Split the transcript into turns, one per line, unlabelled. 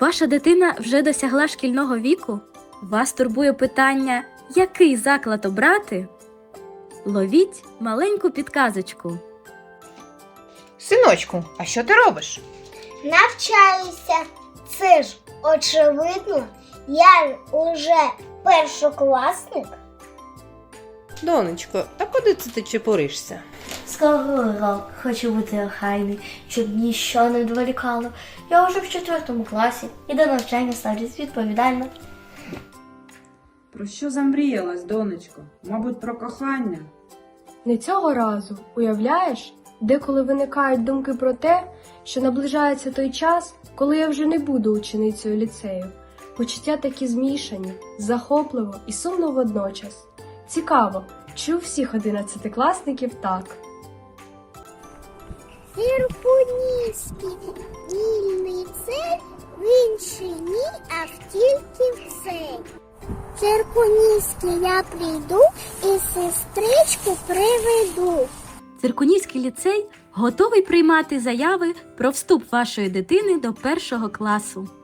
Ваша дитина вже досягла шкільного віку? Вас турбує питання, який заклад обрати? Ловіть маленьку підказочку.
Синочку, а що ти робиш?
Навчаюся. Це ж очевидно, я ж уже першокласник.
Донечко, та куди це ти чепуришся?
Скоро урок, хочу бути охайний, щоб ніщо не відволікало. Я вже в 4 класі і до навчання ставлюсь відповідально.
Про що замріялась, донечко? Мабуть, про кохання?
Не цього разу, уявляєш, деколи виникають думки про те, що наближається той час, коли я вже не буду ученицею ліцею. Почуття такі змішані, захопливо і сумно водночас. Цікаво, чи у всіх 11-класників так?
Циркунівський вільний цей, в інший ні, а в тільки в цей. Циркунівський я прийду і сестричку приведу.
Циркунівський ліцей готовий приймати заяви про вступ вашої дитини до 1 класу.